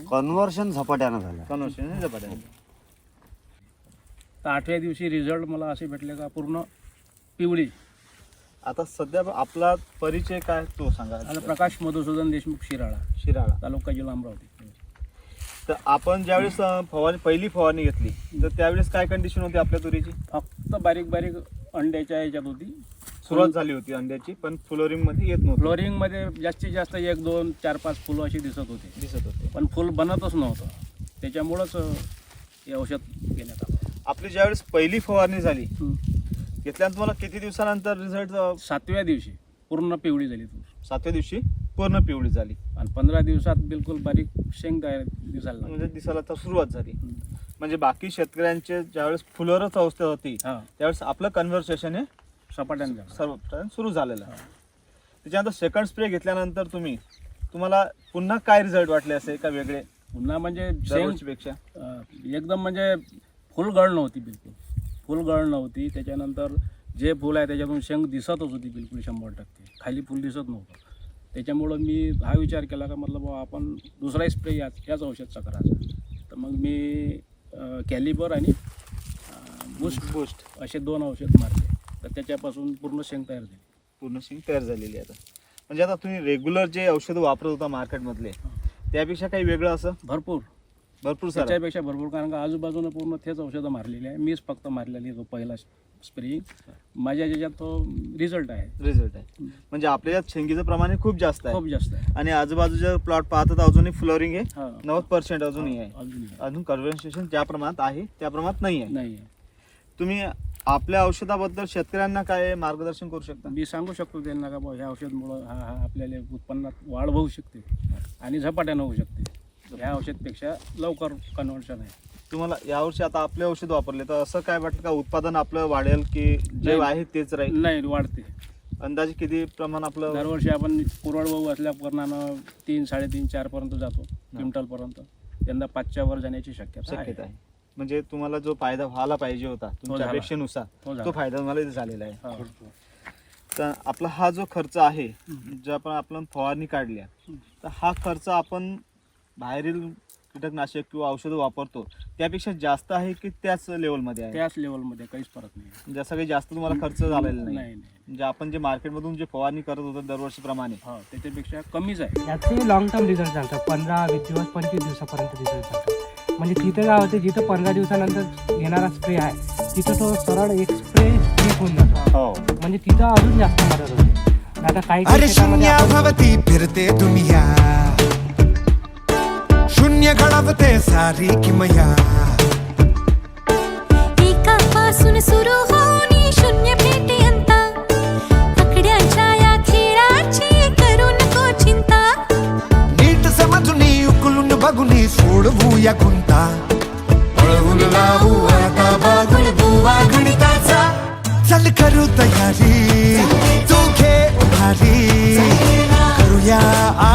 Conversion झपाट्यानं झालं. Conversion झपाट्यानं. तर 8व्या दिवशी रिझल्ट मला असे भेटले का पूर्ण पिवळी. आता सध्या आपला परिचय काय तो सांगा. आता प्रकाश मधुसूदन देशमुख शिराळा तालुका जिल्हा अमरावती. तर आपण ज्यावेळेस पहिली फवारणी घेतली तर त्यावेळेस काय कंडिशन होती आपल्या तुरीची? फक्त बारीक बारीक अंड्याच्या ह्याच्यात होती सुरुवात झाली होती अंड्याची, पण फ्लोरिंग मध्ये येत नव्हतं. फ्लोरिंग मध्ये जास्तीत जास्त 1 2 4 5 फुलं अशी दिसत होते, पण फुल बनतच नव्हतं. त्याच्यामुळंच हे औषध घेण्यात आलं. आपली ज्यावेळेस पहिली फवारणी झाली घेतल्यानंतर तुम्हाला किती दिवसानंतर रिझल्ट? 7व्या दिवशी पूर्ण पिवळी झाली तूर. 7व्या दिवशी पूर्ण पिवळी झाली आणि 15 दिवसात बिलकुल बारीक शेंग तयार दिसायला लागली. म्हणजे दिसायला तर सुरुवात झाली. म्हणजे बाकी शेतकऱ्यांचे ज्यावेळेस फुलरच अवस्था होती त्यावेळेस आपलं कन्व्हर्सेशन हे सपाट्याने सर्व सुरू झालेलं आहे. त्याच्यानंतर सेकंड स्प्रे घेतल्यानंतर तुम्हाला पुन्हा काय रिझल्ट वाटले असे का वेगळे? पुन्हा म्हणजे पेक्षा एकदम म्हणजे फुलगळ नव्हती, बिलकुल फुलगळ नव्हती. त्याच्यानंतर जे फुल आहे त्याच्यातून शेंग दिसतच होती बिलकुल 100%. खाली फुल दिसत नव्हतं. त्याच्यामुळं मी हा विचार केला का मतलब आपण दुसराही स्प्रे याच औषधचा करायचा. तर मग मी कॅलिबर आणि बूस्ट असे 2 औषध मारले. तर त्याच्यापासून पूर्ण शेंग तयार झालेली आता. म्हणजे आता तुम्ही रेग्युलर जे औषधं वापरत होता मार्केटमधले त्यापेक्षा काही वेगळं असं? भरपूर त्याच्यापेक्षा भरपूर. कारण का आजूबाजूनं पूर्ण तेच औषधं मारलेली आहे. मीच फक्त मारलेली तो पहिला स्प्रे. माझ्या ज्याच्यात तो रिझल्ट आहे. म्हणजे आपल्या यात शेंगीचं प्रमाण खूप जास्त आहे. आणि आजूबाजूच्या प्लॉट पाहतात अजूनही फ्लोरिंग हे 90% अजूनही आहे. अजून कन्व्हर्सेशन ज्या प्रमाणात आहे त्या प्रमाणात नाही आहे. तुम्ही आपल्या औषधाबद्दल शेतकऱ्यांना काय मार्गदर्शन करू शकता? मी सांगू शकतो त्यांना का बाबा ह्या औषधमुळं हा आपल्याला उत्पन्नात वाढ होऊ शकते आणि झपाट्यानं होऊ शकते. ह्या औषधपेक्षा लवकर कन्व्हर्शन आहे. तुम्हाला यावर्षी आता आपले औषध वापरले तर असं काय वाटतं का उत्पादन आपलं वाढेल की जे आहे तेच राहील? नाही, वाढते. अंदाजे किती प्रमाण आपलं? दरवर्षी आपण कोरडवाहू असल्या कारणानं 3 3.5 4 पर्यंत जातो क्विंटलपर्यंत. यंदा 5च्या वर जाण्याची शक्यता आहे. म्हणजे तुम्हाला जो फायदा व्हायला पाहिजे होता तुमच्या अपेक्षेनुसार तो फायदा तुम्हाला इथे झालेला आहे. तर आपला हा जो खर्च आहे जो आपण फवारणी काढल्या तर हा खर्च आपण बाहेरील कीटकनाशक किंवा औषधं वापरतो त्यापेक्षा जास्त आहे की त्याच लेवलमध्ये आहे? त्याच लेवलमध्ये, काहीच फरक नाही. जसं काही जास्त तुम्हाला खर्च झालेला नाही? नाही. म्हणजे आपण जे मार्केटमधून जे फवारणी करत होतो दरवर्षीप्रमाणे त्याच्यापेक्षा कमीच आहे. याचे लॉंग टर्म रिझल्ट सांगतात. 15-20 दिवस 25 दिवसापर्यंत रिझल्ट सांगतात. म्हणजे तिथं काय होते जिथं 15 दिवसानंतर येणारा स्प्रे आहे तिथं तो सरळ एक स्प्रे होऊन जातो. म्हणजे तिथं अजून जास्त मदत होते. आता काही शून्याभवती फिरते दुनिया, शून्य घडवते सारी किमया. एकापासून सुरू होऊन शून्य भेटेंता, आकड्यांच्या या खेळाची करू नको चिंता. नीट समजून उकलून बघून सोडवूया गुंता. पळवून लावू आता बागुल बुवा गणिताचा. चल करू तयारी, तू घे उभारी, करूया